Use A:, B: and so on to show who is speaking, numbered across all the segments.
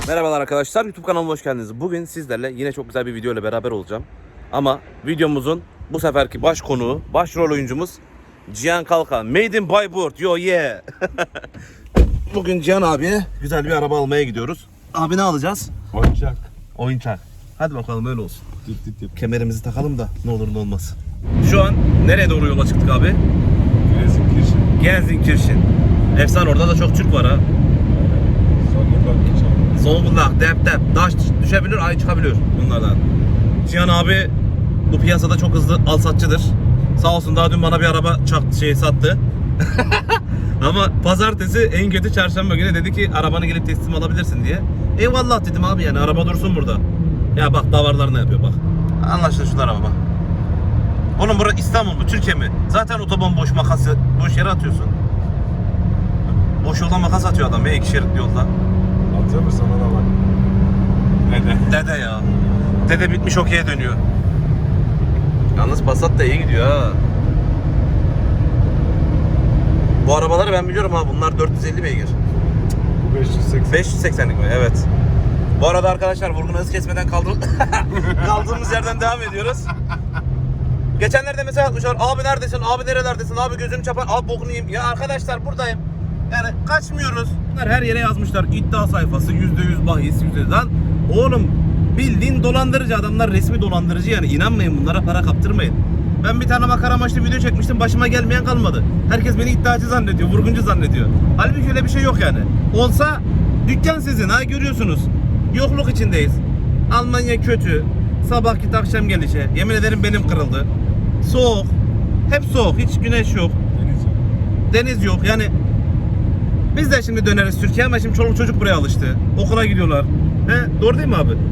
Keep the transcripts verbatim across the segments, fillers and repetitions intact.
A: Merhabalar arkadaşlar, YouTube kanalıma hoş geldiniz. Bugün sizlerle yine çok güzel bir video ile beraber olacağım. Ama videomuzun bu seferki baş konuğu, başrol oyuncumuz Cihan Kalkan. Made in Bayburt, yo yeah. Bugün Cihan abiye güzel bir araba almaya gidiyoruz. Abi ne alacağız?
B: Oyuncak.
A: Oyuncak. Hadi bakalım öyle olsun.
B: Dit dit yap.
A: Kemerimizi takalım da ne olur ne olmaz. Şu an nereye doğru yola çıktık abi?
B: Gelsenkirchen.
A: Gelsenkirchen. Efsane, orada da çok Türk var ha.
B: Zonguldak geçelim.
A: Zonguldak, dep dep, taş düşebilir, ay çıkabiliyor bunlardan. Cihan abi bu piyasada çok hızlı alsatçıdır. Sağ olsun daha dün bana bir araba çaktı, şey sattı. Ama pazartesi en kötü çarşamba günü dedi ki arabanı gelip teslim alabilirsin diye. Eyvallah dedim abi, yani araba dursun burada. Ya bak davarlar ne yapıyor bak. Anlaşıldı şunlar araba bak. Oğlum burası İstanbul mu, Türkiye mi? Zaten otoban boş, makası boş yere atıyorsun. Boş yoldan makas atıyor adam ya, iki şeritli yolda.
B: Atıyor mu sana da bak. Dede.
A: Dede ya. Dede bitmiş okey'e dönüyor. Yalnız Passat da iyi gidiyor ha. Bu arabaları ben biliyorum ha. Bunlar dört yüz elli beygir.
B: Bu beş yüz seksen.
A: beş yüz seksenlik mi? Evet. Bu arada arkadaşlar vurgunu hız kesmeden kaldır kaldığımız yerden devam ediyoruz. Geçenlerde mesela atmışlar. Abi neredesin? Abi nerelerdesin? Abi gözünü çapan. Abi bokunu yiyeyim. Ya arkadaşlar buradayım. Yani kaçmıyoruz. Bunlar her yere yazmışlar. İddia sayfası yüzde yüz bahis yüzde yüz. Lan oğlum bildiğin dolandırıcı adamlar, resmi dolandırıcı yani. İnanmayın bunlara, para kaptırmayın. Ben bir tane makara amaçlı video çekmiştim. Başıma gelmeyen kalmadı. Herkes beni iddiacı zannediyor. Vurguncu zannediyor. Halbuki öyle bir şey yok yani. Olsa dükkan sizin ha, görüyorsunuz. Yokluk içindeyiz. Almanya kötü. Sabah git akşam gelişe. Yemin ederim benim kırıldı. Soğuk. Hep soğuk. Hiç güneş yok.
B: Deniz yok.
A: Deniz yok. Yani biz de şimdi döneriz Türkiye ama şimdi çoluk çocuk buraya alıştı. Okula gidiyorlar. He, doğru değil mi abi?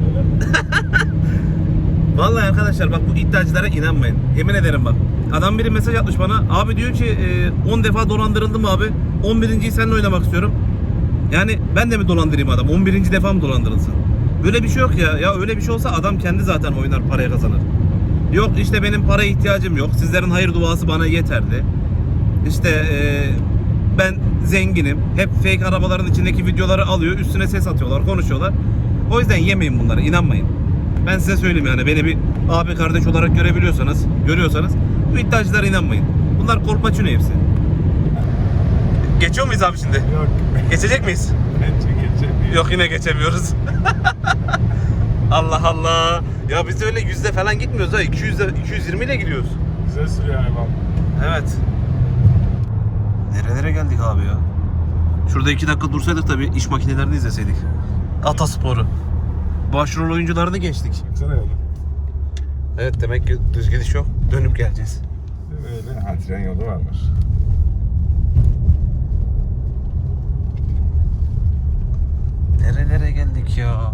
A: Vallahi arkadaşlar bak, bu iddiacılara inanmayın. Yemin ederim bak. Adam biri mesaj atmış bana. Abi diyor ki on defa dolandırıldım abi. on birinciyi seninle oynamak istiyorum. Yani ben de mi dolandırayım adam? on birinci defa mı dolandırılsın? Böyle bir şey yok ya. Ya öyle bir şey olsa adam kendi zaten oynar, paraya kazanır. Yok işte benim paraya ihtiyacım yok. Sizlerin hayır duası bana yeterli. İşte eee ben zenginim. Hep fake arabaların içindeki videoları alıyor. Üstüne ses atıyorlar, konuşuyorlar. O yüzden yemeyin bunları, inanmayın. Ben size söyleyeyim yani, beni bir abi kardeş olarak görebiliyorsanız, görüyorsanız bu iddiacılara inanmayın. Bunlar kolpaçino hepsi. Geçiyor muyuz abi şimdi?
B: Yok.
A: Geçecek miyiz?
B: Bence geçemiyor.
A: Yok, yine geçemiyoruz. Allah Allah. Ya biz de öyle yüzde falan gitmiyoruz ha. iki yüzde, iki yüz yirmi ile gidiyoruz.
B: Güzel sürüyor hayvan.
A: Evet. Nerelere geldik abi ya? Şurada iki dakika dursaydık tabii, iş makinelerini izleseydik. Atasporu. Başrol oyuncularını geçtik.
B: Baksana yolu.
A: Evet, demek ki düz gidiş yok. Dönüp geleceğiz.
B: Öyle. Ha, tren yolu varmış.
A: Nerelere geldik ya?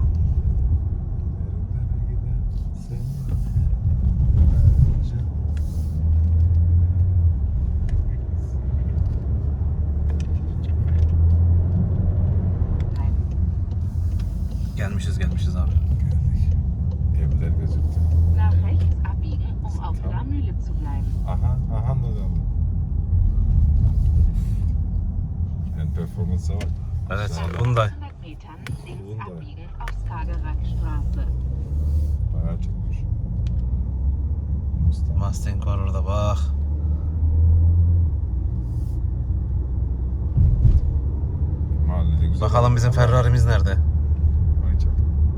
A: Gelmişiz gelmişiz abi.
B: Geldik. Evler gözüktü.
C: Nach rechts abbiegen, um auf La Mühle zu bleiben.
B: Aha, aha da döndü. En performansa bak.
A: Evet,
B: Sağ ol.
A: Hyundai.
C: hundert Metern links
B: Wunder.
C: abbiegen auf Skagerrakstraße.
B: Bayağı çekmiş. Mustang.
A: Mustang var orada bak.
B: Mahallede güzel.
A: Bakalım bizim Ferrari'miz nerede?
B: Ay çok.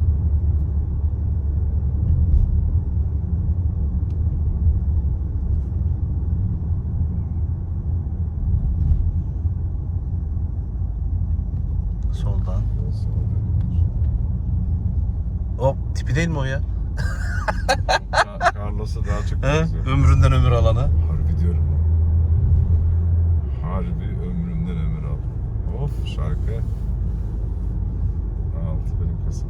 A: Soldan. Hop, tipi değil mi o ya?
B: Ka- Carlos'a daha çok
A: He?
B: benziyor.
A: Ömründen ömür alanı.
B: Harbi diyorum. Harbi ömrümden ömür al. Of şarkı. Altı benim kasada.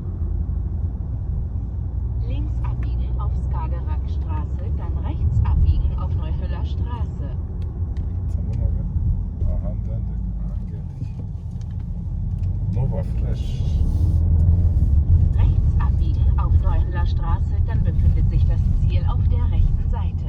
C: Links abbiegen auf Skagerrakstraße, dann rechts abbiegen auf Neuhöller Straße.
B: Tamam abi. Aha döndük. Aha geldik. Nova Fresh.
C: Rechts abbiegen auf Neuhöller Straße, dann befindet sich das Ziel auf der rechten Seite.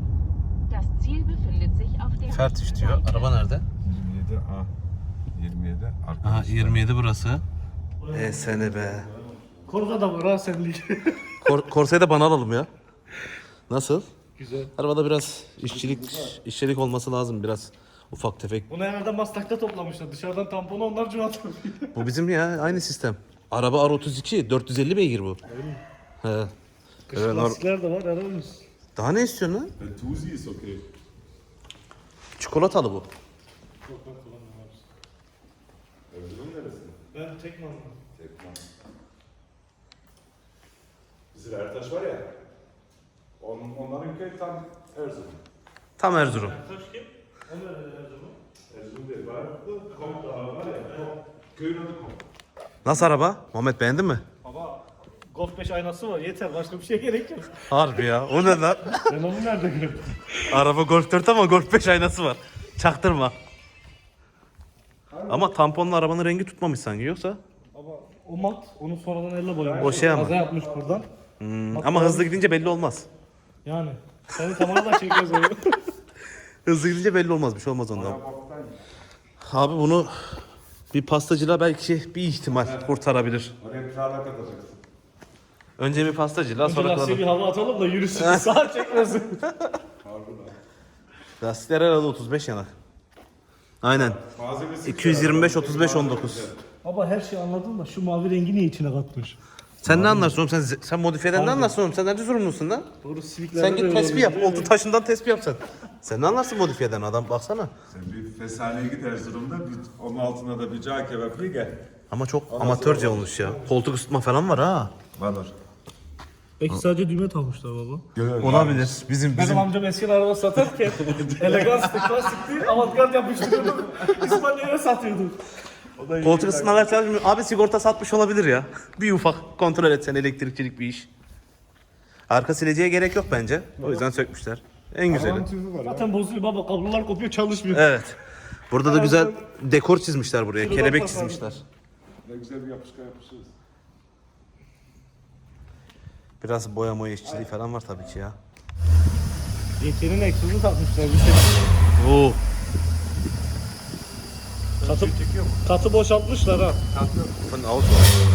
C: Das Ziel befindet sich auf der
A: Fertig
C: rechten
A: diyor.
C: Seite.
A: Araba nerede?
B: yirmi yedi A. yirmi de.
A: Aha
B: Arkadaşlar.
A: yirmi yedi burası. E sene be.
D: Korna da var ha senlik.
A: Kor Korsayı da bana alalım ya. Nasıl?
D: Güzel.
A: Arabada biraz işçilik işçilik olması lazım biraz. Ufak tefek.
D: Bunu herhalde Maslak'ta toplamışlar. Dışarıdan tamponu onlar cıvat.
A: Bu bizim ya aynı sistem. Araba R otuz iki dört yüz elli beygir bu. He.
D: Kış
A: Evet,
D: lastikler de var herhalde.
A: Daha ne istiyorsun lan?
B: Der Tusi ist okay.
A: Çikolatalı bu.
B: Erzurum neresi?
D: Ben Tekman'ım.
B: Tekman. Bizim Ertaş var ya. On, onların köyü tam Erzurum.
A: Tam Erzurum.
D: Kaç kim? O nerede Erzurum?
B: Erzurum değil. Var. Kom da var ya. Kom. Köyün adı Kom.
A: Nasıl araba? Muhammed beğendin mi?
D: Baba Golf beş aynası var yeter başka bir şey gerek yok.
A: Harbi ya. O ne lan?
D: Ben onu nerede gördüm?
A: Araba Golf dört ama Golf beş aynası var. Çaktırma. Ama tamponla arabanın rengi tutmamış sanki yoksa.
D: Ama o mat onu sonradan elle boyamış.
A: O şey ama.
D: Kaza yapmış buradan.
A: Hmm, ama hızlı gidince belli olmaz.
D: Yani. Seni tamamen çekiyoruz onu.
A: Hızlı gidince belli olmaz. Bir şey olmaz ondan. Abi bunu bir pastacıyla belki bir ihtimal kurtarabilir.
B: Oraya krala katacaksın.
A: Önce bir pastacıyla
D: Önce
A: sonra
D: lastiğe bir
A: kalalım.
D: hava atalım da yürüsün. Sağa çekmesin.
B: Harbiden.
A: Lastikler herhalde otuz beş yanak. Aynen.
B: Malzemesi
A: iki yüz yirmi beş,
B: güzel,
A: otuz beş, on dokuz.
B: malzemesi güzel.
D: Baba her şeyi anladım da şu mavi rengi niye içine katmış?
A: Sen ne anlarsın oğlum? Sen, sen modifiyeden ne anlarsın oğlum? Sen nerede sorumlusun lan?
D: Doğru Civic'lerde
A: Sen
D: de
A: git
D: öyle
A: tespih yap.
D: oluyor.
A: Oltu taşından tespih yap sen. Sen ne anlarsın modifiyeden adam baksana.
B: Sen bir fesaneye git Erzurum'da. Bir, onun altına da bir cağ kebap ye gel.
A: Ama çok amatörce olmuş ya. Koltuk ısıtma falan var ha.
B: Var var.
D: Belki sadece düğme takmışlar baba.
A: Olabilir. Bizim
D: Benim amcam eski araba satarken eleganstı, klasikti, avantgard yapıştırıyordu. İspanya'ya satıyordu.
A: koltuk ısıtmalar çalışmıyor. Abi sigorta satmış olabilir ya. Bir ufak kontrol etsen elektrikçilik bir iş. Arka sileceğe gerek yok bence. O yüzden sökmüşler. En güzeli.
B: Tüzü var ya.
D: Zaten bozuluyor baba, kablolar kopuyor çalışmıyor.
A: Evet. Burada da güzel dekor çizmişler buraya.
D: Şuradan
A: Kelebek
D: tasarruf.
A: çizmişler.
B: Ne güzel bir yapışkan yapışırız.
A: Biraz boya moya işçiliği falan var tabii ki ya.
D: Yeterin egzozu takmışlar bir şey.
A: Oo.
D: Katı, katı boşaltmışlar ha.
A: Von Auto.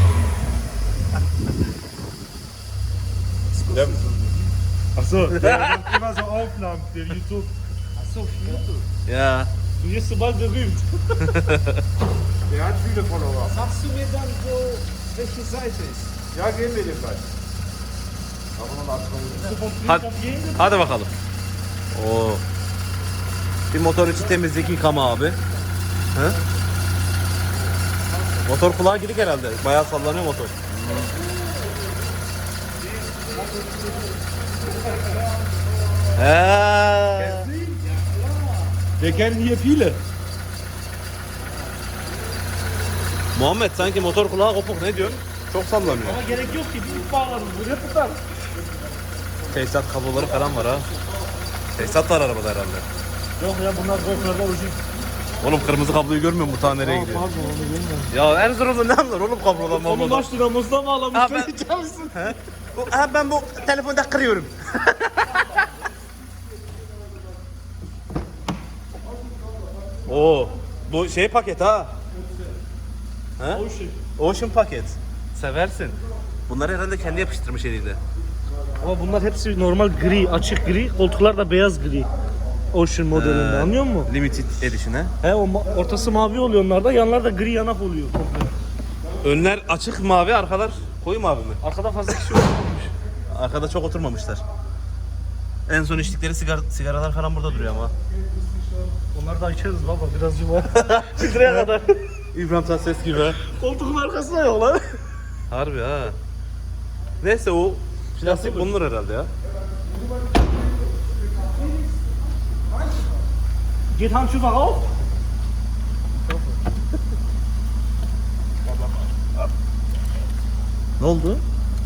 D: Achso, der immer so Aufnahmen für YouTube. Achso, für YouTube.
A: Ya.
D: Du wirst so bald berühmt.
B: Der hat viele Follower.
E: Sagst du mir dann, wo, welche Seite ist?
B: Ya gehen wir den gleich. Aber noch atmayı.
A: Hadi, hadi bakalım. Oo. Bir motor içi temizlik yıkama abi. He? Motor kulağa gidik herhalde. Bayağı sallanıyor motor. He.
D: Wir kennen hier viele.
A: Muhammed sanki motor kulağı kopuk, ne diyorsun? Çok sallanıyor.
D: Ama gerek yok ki, bir bağlarız buraya tutar.
A: Tesisat kabloları falan var ha. Tesisat var arabada herhalde.
D: Yok ya bunlar golflerde orijin.
A: Oğlum kırmızı kabloyu görmüyor musun? Bu tane nereye gidiyor?
D: Pardon onu bilmiyorum.
A: Ya Erzurum'da ne anlar oğlum kablodan
D: Onu
A: mablodan?
D: laş dinamosuna mı
A: Ha,
D: ağlamışlar?
A: ben-
D: İçer misin?
A: Bu- Ha, ben bu telefonda kırıyorum. Oo, bu şey paket ha. He?
D: Ocean.
A: Ocean paket. Seversin. Bunları herhalde kendi yapıştırmış eliyle.
D: Ama bunlar hepsi normal gri, açık gri. Koltuklar da beyaz gri. Ocean modelinde
A: Ee,
D: anlıyor musun?
A: Limited Edition'e.
D: He o ma- ortası mavi oluyor onlarda, yanlar da gri yanak oluyor komple.
A: Önler açık mavi, arkalar koyu mavi mi?
D: Arkada fazla kişi olmamış.
A: Arkada çok oturmamışlar. En son içtikleri sigara, sigaralar falan burada duruyor ama.
D: Onları da içeriz baba birazcık var. Filtreye kadar.
A: İbrahim Tatlıses gibi.
D: Koltuğun arkasına yok lan.
A: Harbi ha. Neyse o plastik bulunur herhalde ya.
D: Geht Handschuhe auf?
A: Ne oldu?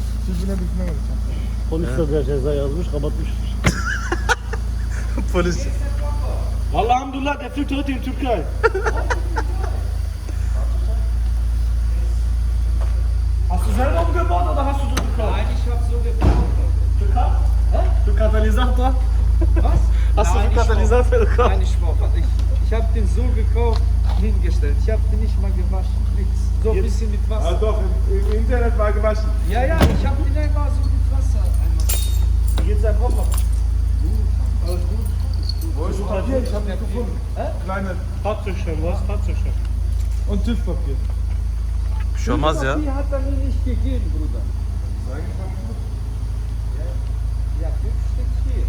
D: Polis de bir ceza yazmış, kapatmış.
A: Polis.
D: Vallahi Alhamdulillah, der fliegt heute in Türkei. Hast du selber umgebaut oder hast du so gekauft?
E: Nein, ich habe so gekauft.
D: Türkei? Hä? Für Katalysator?
E: Was?
D: Hast du
E: Nein,
D: für
E: ich
D: Katalysator gekauft?
E: Nein, ich brauche. Ich, ich habe den so gekauft. hingestellt. Ich habe die nicht mal gewaschen. Nix. So ein bisschen mit
B: Ah,
E: Wasser.
B: doch, im, im Internet war gewaschen.
E: Ja, ja, ich habe die einmal so mit Wasser einmal.
D: Wie geht's deinem Papa?
E: Alles gut.
B: Wo ist Papier? Ich hab nicht gefunden. Kleine
D: Papptücher, was? Papptücher.
E: Und TÜV-Papier.
A: Bir şey olmaz ya.
E: TÜV-Papier hat er mir nicht gegeben, Bruder. Ja, TÜV steckt hier.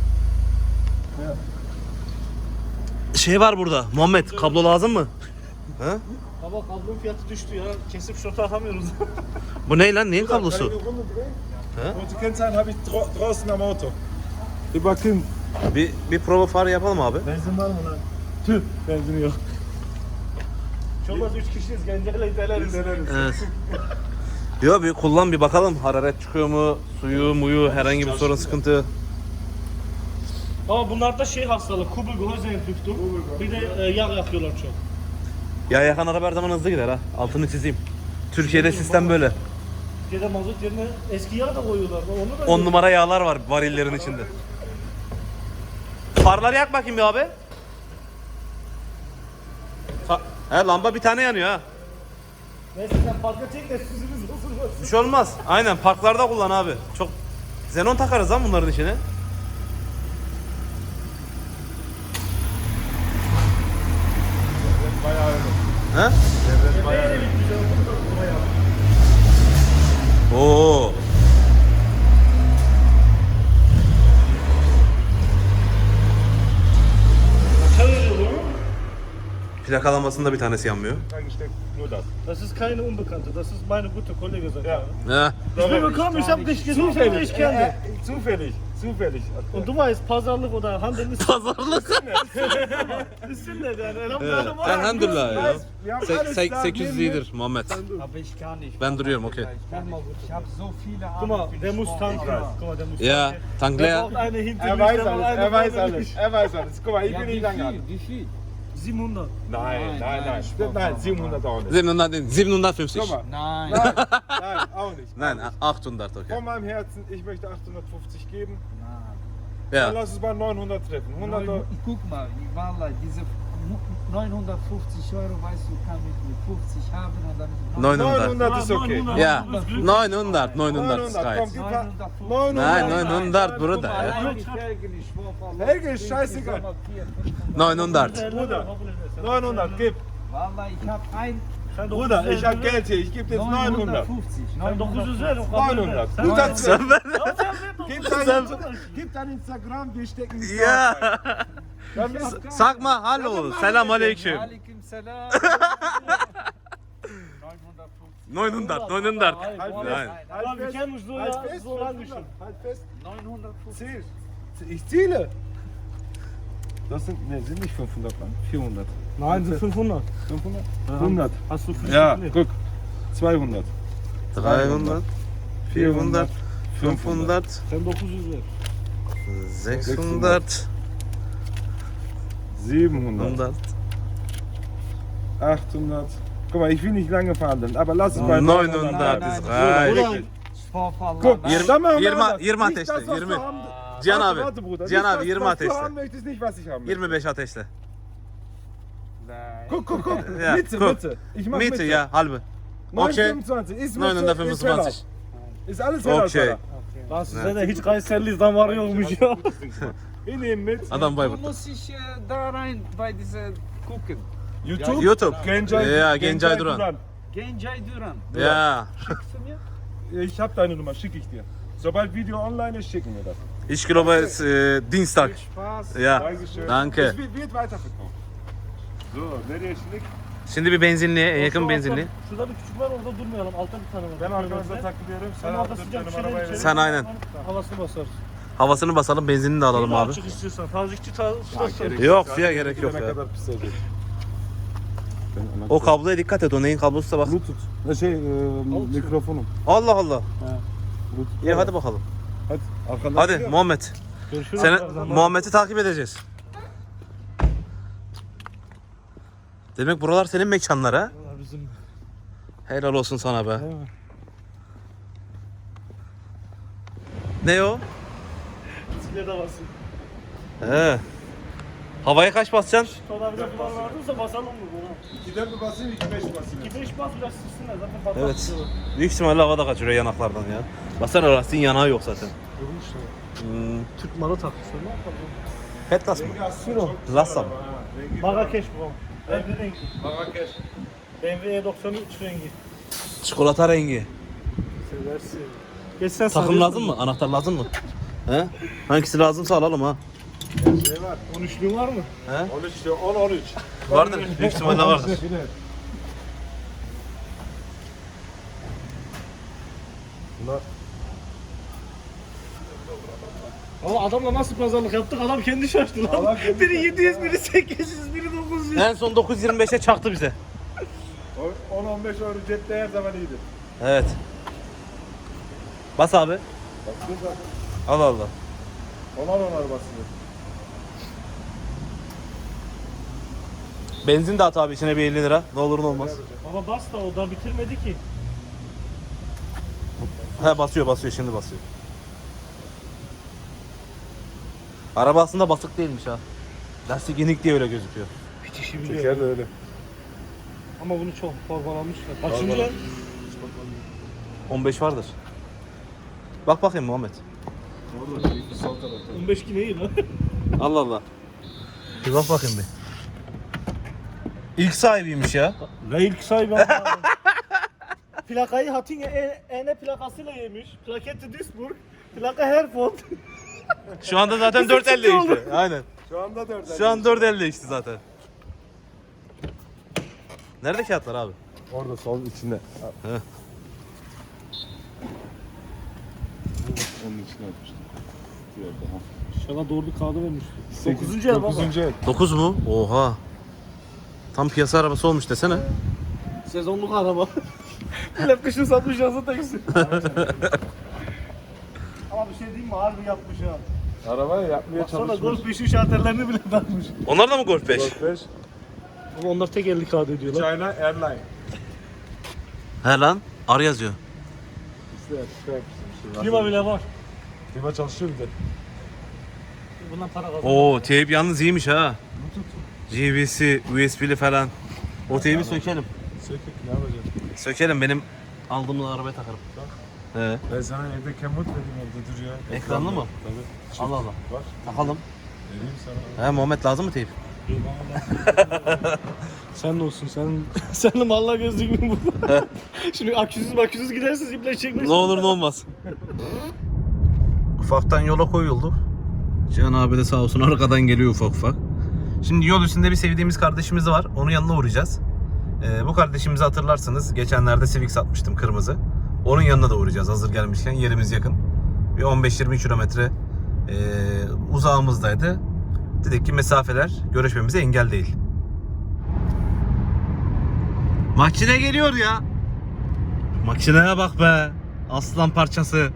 A: Şey var burada. Muhammed kablo lazım mı? He?
D: Baba kablonun fiyatı düştü ya. Kesip şortu atamıyoruz.
A: Bu ne lan? Neyin
B: Kann ich
A: kablosu?
B: die Runde drehen? Und die Kennzeichen habe ich dra draußen am Auto. Über Kim.
A: Bir, bir prova far yapalım abi.
D: Benzin var mı lan? Tüh, benzin yok. Hiç olmaz üç kişiyiz, genceyle iteleriz.
A: Evet. Yok bir kullan bir bakalım. Hararet çıkıyor mu? Suyu, muyu, herhangi bir sorun, sıkıntı.
D: Ama bunlarda şey hastalığı, kubel Gehäuseentüftung. Bir de e, yağ yakıyorlar çok.
A: Ya yakan araba her zaman hızlı gider ha. Altını çizeyim. Türkiye'de sistem böyle.
D: Türkiye'de mazot yerine eski yağ da koyuyorlar. Onu da
A: on numara yağlar var varillerin içinde. Farları yak bakayım bir abi. Fa- He lamba bir tane yanıyor ha.
D: Neyse sen parka çek de süzümüz bozulmasın.
A: Bir şey olmaz. Aynen parklarda kullan abi. Çok xenon takarız lan bunların içine.
B: Bayağı öyle.
A: He?
B: Devlet bayağı öyle.
A: Oo.
D: Kaça veriyor bunu?
A: Plakalamasında bir tanesi yanmıyor.
B: Eingesteckt, nur das.
D: Das ist keine Unbekannte, das ist meine gute Kollege seit
B: Ja.
D: Jahren.
A: He.
D: Ich bin bekommen, ich hab dich gesucht,
B: Zufällig.
D: ich kenne
B: Äh,
D: dich.
B: äh, zufällig. Zufällig.
D: Und du weißt, Pazarlık oder Handel ist
A: Pazarlık.
D: sünnet yani.
A: Evet.
D: Elhamdülillah.
A: Elhamdülillah ya.
B: Wir haben
A: Se-
B: alles
A: se-
B: da
A: sekiz yüz
B: neben mir.
A: iyidir Muhammed.
E: Aber ich kann nicht.
A: Ben duruyorum okey.
E: Ich habe so viele
D: Guck mal,
E: Arbeit.
D: der muss tanken. Guck mal, der muss
A: Ja,
D: tanken.
A: tank
D: Der
A: leer.
D: braucht eine hinter
B: Er
D: mich,
B: weiß
D: der braucht
B: alles,
D: eine
B: er weiß
D: vorne
B: alles,
D: mich.
B: er weiß alles. Guck mal, ich
E: Ja,
B: bin
E: wie
B: nicht lange
E: viel?
B: an.
E: Wie viel?
D: siebenhundert.
B: Nein, nein,
E: nein,
B: nein.
E: Spaß,
B: Nein,
E: Spaß,
B: siebenhundert auch nicht.
A: siebenhundert değil, siebenhundertfünfzig.
B: Guck mal.
E: Nein.
B: Nein, nein, auch nicht.
A: Nein, achthundert okay.
B: Von meinem Herzen, ich möchte achthundertfünfzig geben.
A: Ja.
B: Dann lass uns bei neunhundert treffen. hundert Euro.
E: Neun- Guck mal, Wallahi, diese neunhundertfünfzig Euro, weißt du, kann ich mit fünfzig haben und dann
A: neunhundert.
B: neunhundert ist okay.
D: neunhundert.
A: Ja, neunhundert, neunhundert ist
B: neunhundert, komm,
A: gayet.
B: gib mal.
E: neunhundertfünfzig.
B: neunhundert.
A: Nein, neunhundert Bruder ya.
E: Allein die Felgen, ich schwör auf Allah.
B: Helge ist scheißegal.
A: neunhundert.
B: Bruder. neunhundert, gib.
E: Wallahi, ich habe ein
D: Sen
B: Bruder,
D: dokuz yüz
B: ich hab
D: ver.
B: Geld hier, ich gebe jetzt neunhundert.
E: neunhundertfünfzig.
D: Sen dokuz yüz ver. o kabul
B: neunhundert.
D: eder.
B: Guter Zweck.
A: Sen ver.
B: Gib dein, gib dein Instagram, wir stecken es
A: Ya.
B: Dann bist-
A: Sakma hallo. Selam aleyküm.
E: Aleyküm selam.
A: neunhundert, neunhundert.
D: Hayır,
B: Halt
D: bu
B: fest.
A: Nein.
D: arada- Abi kendi so
B: Halt
D: ya,
B: fest,
D: so lang düşün.
B: halt fest.
E: neunhundertfünfzig.
B: Ziel. Ich ziele. Das sind, ne, sind nicht fünfhundert Mann, vierhundert.
D: Nein, sind fünfhundert.
B: fünfhundert? hundert.
D: Hast du für
B: Ja, guck. zweihundert.
A: dreihundert, vierhundert, fünfhundert,
D: Sen dokuz yüz ver.
A: sechshundert,
B: siebenhundert.
A: hundert,
B: achthundert. Guck mal, ich will nicht lange verhandeln, aber lass es bei
A: neunhundert
E: nein,
A: ist
E: nein.
A: reich.
B: Wirklich.
E: Schwör auf Allah.
B: Guck,
E: nein.
B: dann machen wir
A: yirmi-
B: anders.
A: yirmi
B: Nicht
A: ateşte,
B: das, was du
A: yirmi.
B: haben-
A: Cihan
B: Warte,
A: abi,
B: warte, Bruder.
A: Cihan
B: Nicht
A: abi
B: das,
A: yirmi
B: was du
A: ateşte.
B: haben möchtest, nicht was ich haben möchte.
A: yirmi beş ateşle.
E: Nein.
B: Guck, guck, guck.
A: Ja,
B: Mitte,
A: guck.
B: Mitte. Ich mach
A: Mitte
B: Mitte.
A: ya halbe.
B: neun
A: Okay.
B: fünfundzwanzig. Ist Mitte, ist
A: neunhundertfünfundzwanzig.
B: Heller. Ist alles heller.
A: Okay.
B: Heller.
D: Lan size de hiç Kayseri'liyiz damar yokmuş ya.
B: Wir nehmen mit.
A: Adam
E: Du
A: Bayburt.
E: musst dich äh, da rein bei dieser gucken.
B: YouTube.
A: YouTube.
B: Gencay,
A: Ja, Gencay Duran.
E: Gencay Duran.
A: Ya.
E: Schickst du mir?
B: Ich hab deine Nummer, schicke ich dir. Sobald Video online ist, schicken wir das.
A: Ich glaube es äh, Dienstag.
E: Viel Spaß.
A: Ya.
B: Dankeschön.
A: Danke.
B: Es wird, wird weiterverkauft. So, nereye şimdi?
A: Şimdi bir benzinliğe, en yakın benzinliğe.
D: Şurada bir küçük var, orada durmayalım. Altta bir tane var.
B: Ben arkanızda takılıyorum. Sen
D: Sen orada
B: al
D: sıcak bir
B: benim
D: şeyler
B: arabaya
D: içelim.
B: ver.
A: Sen aynen.
D: Havasını basarız.
A: Havasını basalım, benzinini de alalım
D: Bir
A: abi.
D: açık istiyorsan. Tazikçi tazikçi.
A: Yok suya gerek yok
B: Ne
A: ya.
B: kadar pis olacak.
A: O kabloya dikkat et, o neyin kablosu bak.
B: Bluetooth. Ne şey, e, mikrofonum.
A: Allah Allah.
B: Bluetooth.
A: İyi hadi bakalım.
B: Hadi. Arkandan
A: Hadi
B: geliyor.
A: Muhammed.
D: Görüşürüz.
A: Seni,
D: birazdan.
A: Muhammed'i takip edeceğiz. Demek buralar senin mekanlar ha?
D: Vallahi Bizim
A: Helal olsun sana be. Ne o?
D: bisiklet havası.
A: He. Havaya kaç basacaksın?
D: Tonarca falan vardıysa basalım mı bunu?
B: ikiden mi basayım, iki beş basayım?
D: iki beş bas biraz sürsünler zaten patlar.
A: Evet. Büyük ihtimalle havada kaçırıyor yanaklardan ya. Baksana lastiğin yanağı yok zaten.
D: işte.
A: Hmm.
D: Türk malı takmışlar ne yapalım?
A: Petlas mı?
B: Rengi aslında çok güzel
A: Lassa mı?
B: ama ha, rengi-
D: Marrakeş bu. Rengi rengi.
B: Marrakeş.
D: B M W E doksan üç rengi.
A: Çikolata rengi.
D: Seversin. Geç sen
A: Takım
D: sarıyorsun.
A: lazım mı? Anahtar lazım mı? He? Hangisi lazımsa alalım ha.
B: Şey var.
D: on üçlüğün var mı?
A: He?
B: on üç diyor, on on üç.
A: Vardır. Büyük ihtimalle vardır.
B: Bunlar
D: Ama adamla nasıl pazarlık yaptık adam kendi şaştı lan.
B: Adam kendi
D: biri yedi yüz, biri sekiz yüz, biri dokuz yüz.
A: En son dokuz yirmi beşe çaktı bize.
B: on on beş euro cepte her zaman iyidir.
A: Evet. Bas abi.
B: Basıyor zaten.
A: Allah Allah.
B: Onar onar basıyor.
A: Benzin de at abi içine bir elli lira. Ne olur ne olmaz.
D: Baba bas da o da bitirmedi ki.
A: He basıyor basıyor şimdi basıyor. Araba aslında basık değilmiş ha. Lastik inik diye öyle gözüküyor.
D: Bitişi biliyor.
B: Teker de öyle.
D: Ama bunu çok torbalamışlar. Kaçıncı lan?
A: on beş vardır. Bak bakayım Muhammed.
B: Orada bir sol tarafta.
D: on beş ki neyi lan?
A: Allah Allah. Bir bak bakayım bir. İlk sahibiymiş ya.
D: Ve ilk sahibi ama. Plakayı Hatinge E- EN plakasıyla yemiş. Plaketi Duisburg. Plaka Herford.
A: Şu anda zaten dört elli işte. Aynen.
B: Şu anda dört.
A: Şu an dört elli işte zaten. Nerede kağıtlar abi?
B: Orada sol içinde.
A: He.
B: Onun içine atmıştım.
D: İnşallah doğru bir kağıdı vermiş.
B: Sekiz-
D: Dokuzuncu el baba.
B: Dokuzuncu el.
A: dokuz mu? Oha. Tam piyasa arabası olmuş desene.
D: Sezonluk araba. Millet kışın satmış yazın taksi. Ama bir şey diyeyim mi? Harbi yapmış ha.
B: Arabayı yapmaya
D: Baksana
B: çalışmış.
D: Golf beşin şarterlerini bile takmış.
A: Onlar da mı Golf beş?
B: Golf beş.
D: Ama onlar tek elli kağıt ediyorlar.
B: China Airline.
A: He lan. Ar yazıyor.
B: İşte şey yapmışsın bir şey.
D: Klima bile var.
B: Klima çalışıyor bir de.
D: Bundan para kazanıyor.
A: Oo teyp yalnız iyiymiş ha. G B C, U S B'li falan. O teybi sökelim.
B: Sökük ne yapacaksın?
A: Sökelim benim aldığım arabaya takarım. He.
B: Ben sana evde kemot vereyim evde duruyor.
A: Ekranlı mı?
B: Tabii. Çift
A: Allah Allah.
B: Var.
A: Takalım.
B: Vereyim sana.
A: He Muhammed lazım mı teyp?
D: Sen de olsun sen sen de malla gözlüğün burada. Şimdi aküsüz maküsüz gidersiniz iple çekmesin.
A: Ne olur ne olmaz. Ufaktan yola koyuldu. Cihan abi de sağ olsun arkadan geliyor ufak ufak. Şimdi yol üstünde bir sevdiğimiz kardeşimiz var. Onun yanına uğrayacağız. Ee, bu kardeşimizi hatırlarsınız. Geçenlerde Civic satmıştım kırmızı. Onun yanına da uğrayacağız hazır gelmişken. Yerimiz yakın. Bir on beş yirmi kilometre e, uzağımızdaydı. Dedik ki mesafeler görüşmemize engel değil. Makine geliyor ya. Makineye bak be. Aslan parçası.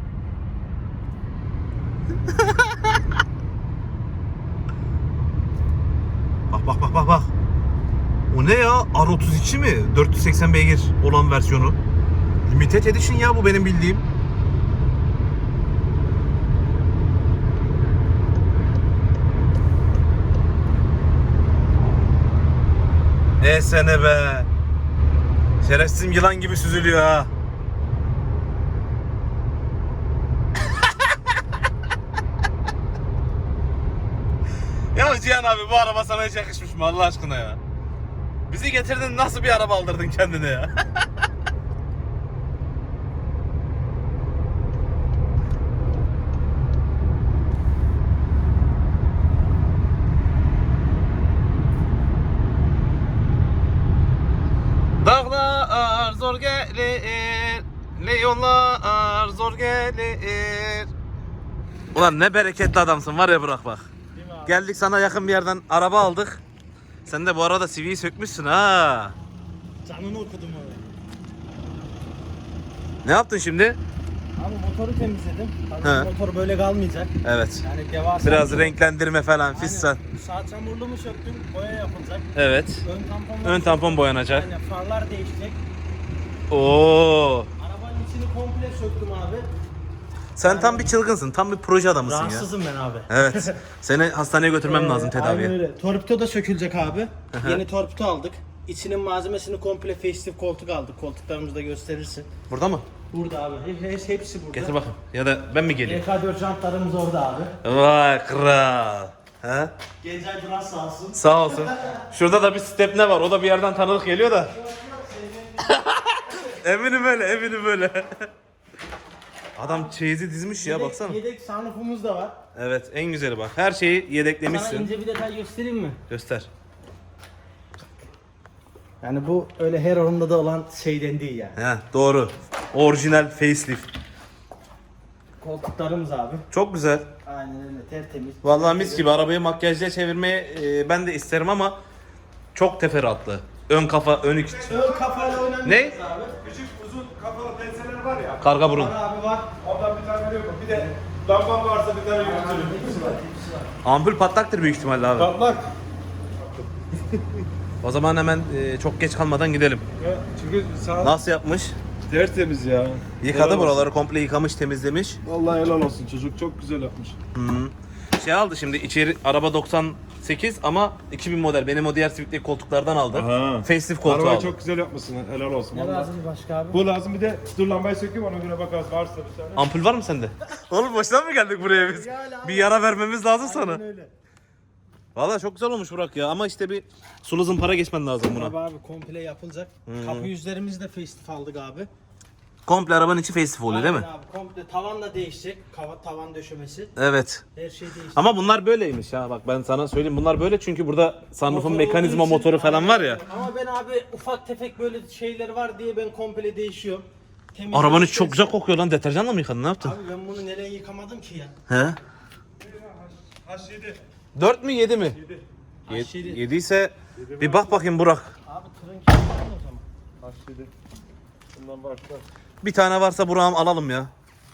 A: Bak bak bak bak bak. O ne ya? R otuz iki mi? dört yüz seksen beygir olan versiyonu. Limited Edition ya bu benim bildiğim. E sene be. Şerefsizim yılan gibi süzülüyor ha. Ya Cihan abi bu araba sana hiç yakışmış mı Allah aşkına ya? Bizi getirdin nasıl bir araba aldırdın kendine ya? Dağlar zor gelir, ne yollar zor gelir. Ulan ne bereketli adamsın var ya bırak bak. Geldik sana yakın bir yerden araba aldık. Sen de bu arada C V'yi sökmüşsün ha.
D: Canını okudum abi.
A: Ne yaptın şimdi?
D: Abi motoru temizledim. Tabii
A: He.
D: motor böyle kalmayacak.
A: Evet.
D: Yani devasa.
A: Biraz renklendirme falan fistan.
D: Sağ çamurluğumu söktüm. Boya yapılacak.
A: Evet.
D: Ön tampon.
A: Ön tampon boyanacak.
D: Aynen farlar değişecek.
A: Oo.
D: Arabanın içini komple söktüm abi.
A: Sen tam bir çılgınsın. Tam bir proje adamısın ya.
D: Rahatsızım ben abi.
A: Evet. Seni hastaneye götürmem lazım
D: Ee,
A: tedaviye.
D: Aynen öyle. Torpido da sökülecek abi. Yeni torpido aldık. İçinin malzemesini komple facelift koltuk aldık. Koltuklarımızı da gösterirsin.
A: Burada mı?
D: Burada abi. He- he- hepsi burada.
A: Getir bakayım. Ya da ben mi geleyim?
D: E K dört jantlarımız orada abi.
A: Vay kral. He?
D: Gencay Duran sağ olsun.
A: Sağ olsun. Şurada da bir step ne var? O da bir yerden tanıdık geliyor da. eminim öyle, eminim öyle. Adam çeyizi dizmiş ya
D: Yedek-
A: baksana.
D: Yedek sunroofumuz da var.
A: Evet, en güzeli bak. Her şeyi
D: Sana
A: yedeklemişsin.
D: ince bir detay göstereyim mi?
A: Göster.
D: Yani bu öyle her oranda da olan şeyden değil yani.
A: He, doğru. Orijinal facelift.
D: Koltuklarımız abi.
A: Çok güzel.
D: Aynen öyle tertemiz.
A: Vallahi mis gibi arabayı makyajla çevirmeyi e, ben de isterim ama çok teferruatlı. Ön kafa, ön iki.
D: Ön kafayla oynamıyoruz
A: Ne?
D: abi.
B: Küçük uzun kafalı penseler var ya.
A: Karga burun.
D: Var abi var.
B: Ondan bir tane yok. Bir de lamban varsa bir tane yürütürüm.
D: Hepsi var, hepsi var.
A: Ampul patlaktır büyük ihtimalle abi.
B: Patlak.
A: O zaman hemen e, çok geç kalmadan gidelim.
B: Ya, çünkü sağ
A: Nasıl yapmış?
B: tertemiz ya.
A: Yıkadı
B: Helal
A: buraları komple yıkamış, temizlemiş.
B: olsun. Vallahi helal olsun, çocuk çok güzel yapmış.
A: Şey aldı şimdi içeri araba doksan sekiz ama iki bin model. Benim o diğer Civic'teki koltuklardan aldı.
B: Aha.
A: Facelift koltuğu
B: Arabayı
A: aldı.
B: çok güzel yapmışsın, helal olsun.
D: Ne
B: vallahi.
D: lazım başka abi?
B: Bu lazım, bir de dur lambayı sökeyim ona göre bakarız varsa bir tane.
A: Ampul var mı sende? Oğlum boşuna mı geldik buraya biz? Bir yara vermemiz lazım sana.
D: Aynen öyle.
A: Vallahi çok güzel olmuş Burak ya ama işte bir sulu zımpara geçmen lazım
D: Abi
A: buna.
D: abi komple yapılacak. Kapı yüzlerimizi de facelift aldık abi.
A: Komple arabanın içi facelift oluyor değil mi?
D: Aynen abi komple tavan da değişecek. Kava, tavan döşemesi.
A: Evet.
D: Her şey değişecek.
A: Ama bunlar böyleymiş ha bak ben sana söyleyeyim bunlar böyle çünkü burada sunroof'un
D: Motor
A: mekanizma
D: olduğu için-
A: motoru falan var ya.
D: Ama ben abi ufak tefek böyle şeyler var diye ben komple değişiyorum. Temizlik
A: Arabanın içi çok güzel
D: istersen-
A: kokuyor lan deterjanla mı yıkadın ne yaptın?
D: Abi ben bunu nereye yıkamadım ki ya?
A: He?
B: H yedi.
A: dört mü yedi mi?
D: H yedi.
A: yedi ise bir bak bakayım Burak.
D: Abi tırın kilidi var mı o zaman?
B: H yedi. Bundan başka.
A: Bir tane varsa Burak'ım alalım ya.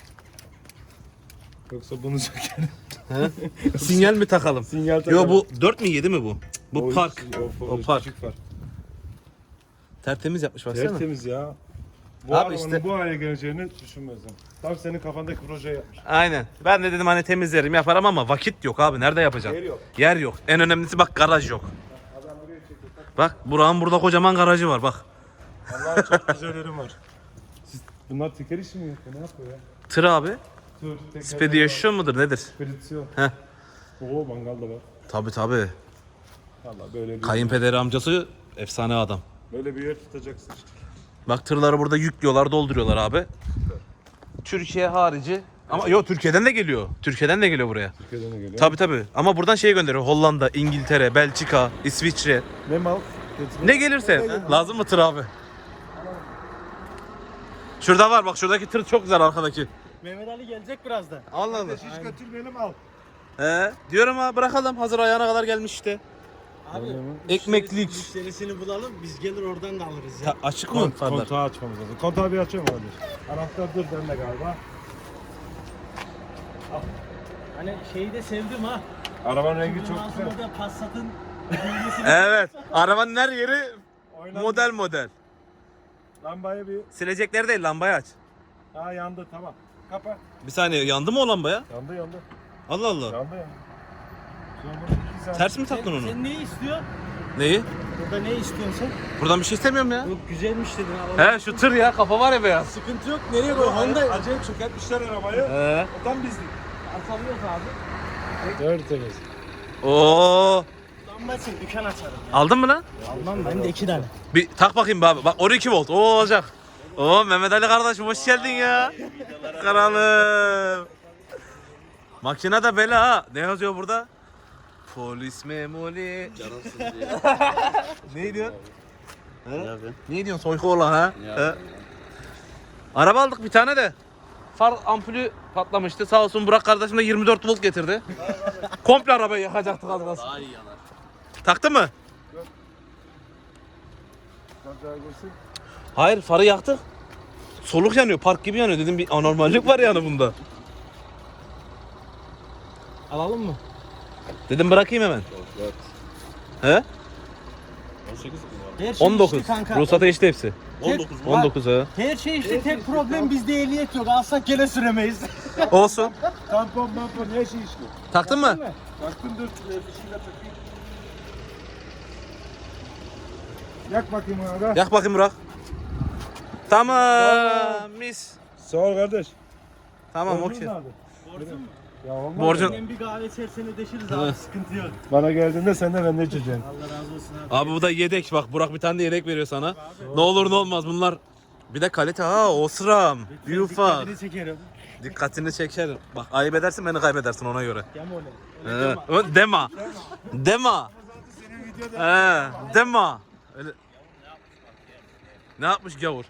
B: Yoksa bunu sökerim.
A: Sinyal mi takalım?
B: Sinyal
A: Yo
B: takalım.
A: bu dört mü yedi mi bu? Bu
B: O
A: park.
B: hiç- o-
A: O park.
B: küçük park.
A: Tertemiz yapmış baksana.
B: Tertemiz ya. Bu
A: Abi
B: arabanın
A: işte-
B: bu hale geleceğini düşünmezdim. Tam senin kafandaki projeyi yapmış.
A: Aynen. Ben de dedim hani temizlerim yaparım ama vakit yok abi. Nerede yapacağım?
B: Yer yok.
A: Yer yok. En önemlisi bak garaj yok. Bak Burak'ın burada kocaman garajı var bak.
B: Allah'ım çok güzellerim var. Siz, bunlar teker işi mi yapıyor? Ne yapıyor ya?
A: Tır abi.
B: Dur, teker.
A: Spedition mudur nedir?
B: Spedisyon.
A: Heh.
B: Oo mangal da var.
A: Tabi tabi.
B: Valla böyle bir
A: Kayınpederi amcası efsane adam.
B: böyle bir yer tutacaksın işte.
A: Bak tırları burada yüklüyorlar, dolduruyorlar abi. Türkiye harici ama yok Türkiye'den de geliyor. Türkiye'den de geliyor buraya.
B: Türkiye'den de geliyor.
A: Tabi tabi. Ama buradan şey gönderiyor. Hollanda, İngiltere, Belçika, İsviçre.
B: Ne mal?
A: Ne gelirse. Lazım mı tır abi? Şurada var bak şuradaki tır çok güzel arkadaki.
D: Mehmet Ali gelecek birazdan.
A: Allah Allah.
B: Hiç götürmeyelim al.
A: He, diyorum ha bırakalım hazır ayağına kadar gelmiş işte.
D: Abi
A: Ekmeklik.
D: müşterisini bulalım biz gelir oradan da alırız ya.
A: Ta- açık mı
B: Kont
A: farlar?
B: kontağı açmamız lazım. Kontağı bir açıyor mu kardeş? Anahtar dur bende galiba.
D: Hani şeyi de sevdim ha.
B: Arabanın rengi çok
D: Ondan
B: güzel.
D: sonra da Passat'ın bilgisini
A: Evet. Arabanın her yeri
B: Oynan-
A: model model.
B: Lambayı bir...
A: Silecekleri değil lambayı aç.
B: Ha yandı tamam. Kapa.
A: Bir saniye yandı mı o lambaya?
B: Yandı yandı.
A: Allah Allah.
B: Yandı yandı. Sonra iki saat-
A: Ters mi taktın onu?
D: Sen neyi istiyorsun?
A: Neyi?
D: Burada ne istiyorsun sen?
A: Buradan bir şey istemiyorum ya.
D: Yok güzelmiş dedin ha.
A: He şu tır ya kafa var ya beyaz.
D: Sıkıntı yok. Nereye koy? Honda
B: Acayip çökertmişler arabayı.
A: He.
B: O tam bizlik.
D: arkamı yok abi.
B: Tertemiz.
A: Oo.
D: Lamba için dükkan açarım.
A: Aldın mı lan?
D: Almam ben de iki tane.
A: Bir tak bakayım be abi. Bak on iki volt. O olacak. Oo Mehmet Ali kardeşim hoş geldin ya. Kralım. Makine de bela ha. Ne yazıyor burada? Polis memoli.
F: Canımsın diye.
A: Ne diyor?
F: Ne yapıyorsun?
A: Ne diyorsun soyku olan ha?
F: Ya.
A: He? Araba aldık bir tane de. Far ampulü patlamıştı. Sağ olsun Burak kardeşim de yirmi dört volt getirdi. Komple arabayı yakacaktık az kalsın.
F: Daha iyi yanar.
A: Taktı mı?
B: Kazağa girsin.
A: Hayır farı yaktık. Soluk yanıyor, park gibi yanıyor. Dedim bir anormallik var yani bunda.
D: Alalım mı?
A: Dedim bırakayım hemen.
F: dört.
A: He?
F: on sekiz mi var?
D: Her şey
A: on dokuz.
D: işte kanka.
A: Ruhsata işte hepsi.
F: on dokuz mu?
A: on dokuz ha.
D: Her şey işte tek problem bizde ehliyet yok. Alsak gene süremeyiz.
A: Olsun.
B: Tampon mampon her şey işli.
A: Taktın mı?
B: Baktım dur. Fişiyle takayım. Yak bakayım ona da.
A: Yak bakayım Burak. Tamam mis.
B: Sağ ol kardeş.
A: Tamam
B: Borcun
A: okey.
B: nerede?
D: Borcun mu?
B: Ya olmaz.
A: Borcun.
D: Benim bir kahve içerisine deşiriz abi, sıkıntı yok.
B: Bana geldiğinde sen de benden içeceksin.
D: Allah razı olsun abi.
A: Abi bu da yedek bak. Burak bir tane de yedek veriyor sana. Ne olur ne olmaz bunlar. Bir de kalite ha Osram. Bir ufak.
D: Dikkatini çekerim.
A: Dikkatini çekerim. Bak ayıp edersin beni kaybedersin ona göre.
D: Deme öyle.
A: Ee, ö- Dema. Dema. Ee, Dema. Öyle. Ne yapmış gavur?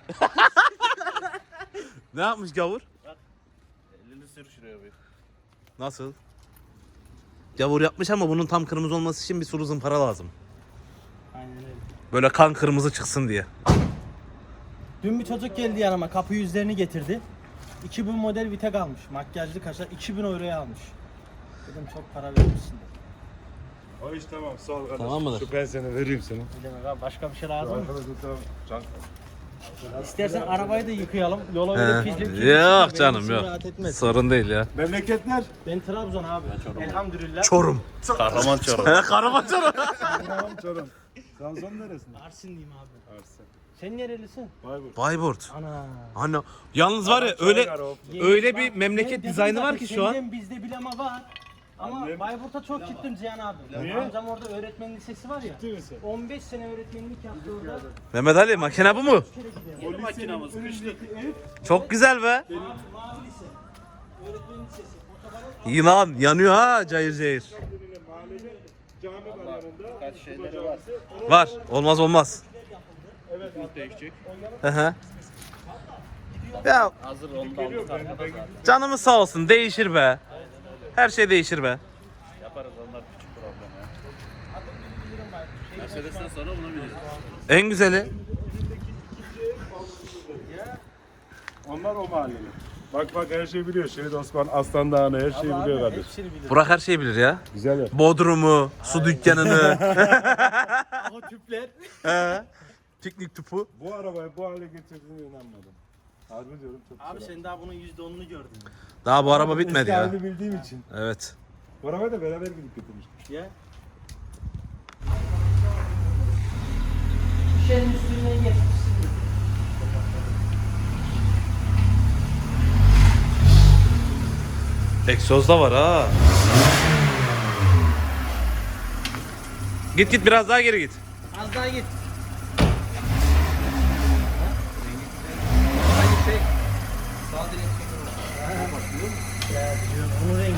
A: Ne yapmış gavur?
F: Elini sür şuraya bir.
A: Nasıl? Gavur yapmış ama bunun tam kırmızı olması için bir sulu zımpara lazım.
D: Aynen öyle.
A: Böyle kan kırmızı çıksın diye.
D: Dün bir çocuk geldi yanıma, kapı yüzlerini getirdi. iki bin model Vitek almış. Makyajlı kaşlar iki bin euroya almış. Dedim çok para vermişsin.
B: O iş tamam sağ ol kardeş.
A: Tamam mıdır?
B: Şu ben seni vereyim sana.
D: Ne demek abi, başka bir şey lazım mı?
B: Arkadaşlar tamam. Can.
D: İstersen arabayı da yıkayalım. Yola
A: He.
D: öyle pizli pizli
A: Yok
D: çıkar,
A: canım
D: benim için
A: yok.
D: rahat etmez.
A: Sorun değil ya.
B: Memleketler.
D: Ben Trabzon abi. Elhamdülillah.
A: Çorum.
F: Kahraman Çorum.
A: Karaman Çorum.
B: Tamam Çorum. Trabzon neresinde?
D: Arsinliyim abi.
B: Arsen.
D: Sen nerelisin?
B: Bayburt.
A: Bayburt.
D: Ana.
A: Ana. Yalnız var ya öyle öyle bir
D: Bak,
A: memleket
D: ben dedim
A: dizaynı
D: zaten,
A: var ki şu an.
D: senden bizde bileme var. Ama
B: Annem-
D: Bayburt'a çok gittim Cihan abi.
B: Niye?
D: Amcam orada öğretmen lisesi var ya.
B: Ciddi misin?
D: on beş sene öğretmenlik yaptı orada.
A: Mehmet Ali makine bu mu?
D: Bir kere gidelim.
F: Makinamız kışlık.
A: Çok güzel be.
D: Mavi lise. Öğretmen lisesi. Otobana
A: Yılan yanıyor ha cayır cayır.
B: Cami var yanında.
F: Kaç şeyleri var.
A: Var. Olmaz olmaz.
F: Değişecek.
A: Hı hı. Ya
F: Hazır onu da aldık arkada zaten.
A: canımız sağ olsun değişir be. Her şey değişir be.
F: Yaparız onlar küçük problem ya. Mercedes'ten sonra bunu biliriz.
A: En güzeli.
B: Onlar o mahalleli. Bak bak her şeyi biliyor. Şehit Osman, Aslan Dağı'nı her şeyi biliyor
D: abi
B: kardeş.
D: hepsini bilir.
A: Burak her şeyi bilir ya.
B: Güzel ya.
A: Bodrumu, su dükkanını,
D: O tüpler.
A: he, piknik tüpü.
B: Bu arabayı bu hale getirdiğine inanmadım. Harbi diyorum çok
D: Abi
B: güzel.
D: sen daha bunun yüzde onunu gördün.
A: Daha bu araba
B: Eski
A: bitmedi ya.
B: halini bildiğim için.
A: Evet.
B: Bu arabayı da beraber gidip getirmiştik.
D: Ya. Şişenin üstünden geçmişsin.
A: Egzoz da var ha. Git git biraz daha geri git.
D: Az daha git. Bunun rengi.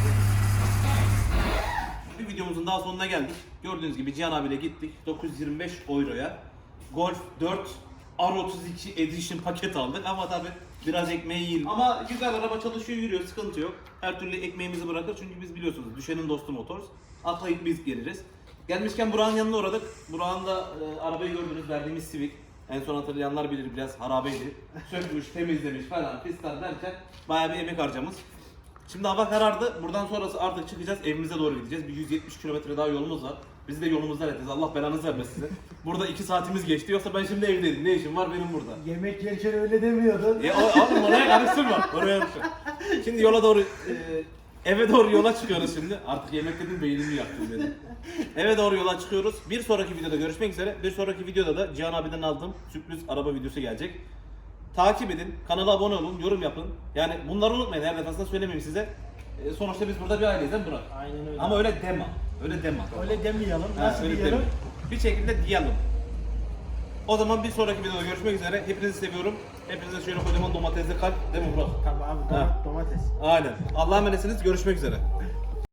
A: Bir videomuzun daha sonuna geldik. Gördüğünüz gibi Cihan abiyle gittik. dokuz yüz yirmi beş euroya Golf dört R otuz iki Edition paket aldık ama tabi biraz ekmeği yiyelim. Ama güzel araba çalışıyor, yürüyor, sıkıntı yok. Her türlü ekmeğimizi bırakır çünkü biz biliyorsunuz düşenin dostu Motors. Atlayıp biz geliriz. Gelmişken Burak'ın yanına uğradık. Burak'ın da e, arabayı gördünüz, verdiğimiz Civic. En son hatırlayanlar bilir, biraz harabeydi. Sökmüş, temizlemiş falan fistan derken bayağı bir emek harcamış. Şimdi hava karardı. Buradan sonrası artık çıkacağız. Evimize doğru gideceğiz. Bir yüz yetmiş kilometre daha yolumuz var. Bizi de yolumuzdan edeceğiz. Allah belanızı vermesin size. Burada iki saatimiz geçti. Yoksa ben şimdi evdeydim. Ne işim var benim burada?
D: Yemek yerken öyle demiyordun.
A: Ya o- oğlum oraya karıştırma. Oraya karıştırma. Şimdi yola doğru, e, eve doğru yola çıkıyoruz şimdi. Artık yemek dedim beynimi yaktım dedim. Eve doğru yola çıkıyoruz. Bir sonraki videoda görüşmek üzere. Bir sonraki videoda da Cihan abiden aldığım sürpriz araba videosu gelecek. Takip edin, kanala abone olun, yorum yapın. Yani bunları unutmayın, her defasında söylemeyeyim size. E, sonuçta biz burada bir aileyiz değil mi Burak?
D: Aynen öyle.
A: Ama öyle deme, öyle deme.
D: öyle demeyelim.
A: Ha,
D: Nasıl
A: öyle
D: diyelim?
A: deme. Bir şekilde diyelim. O zaman bir sonraki videoda görüşmek üzere. Hepinizi seviyorum. Hepinize şöyle kocaman domatesli kalp değil mi Burak?
D: Tabii abi,
A: Ha.
D: domates.
A: Aynen. Allah'a emanetsiniz, görüşmek üzere.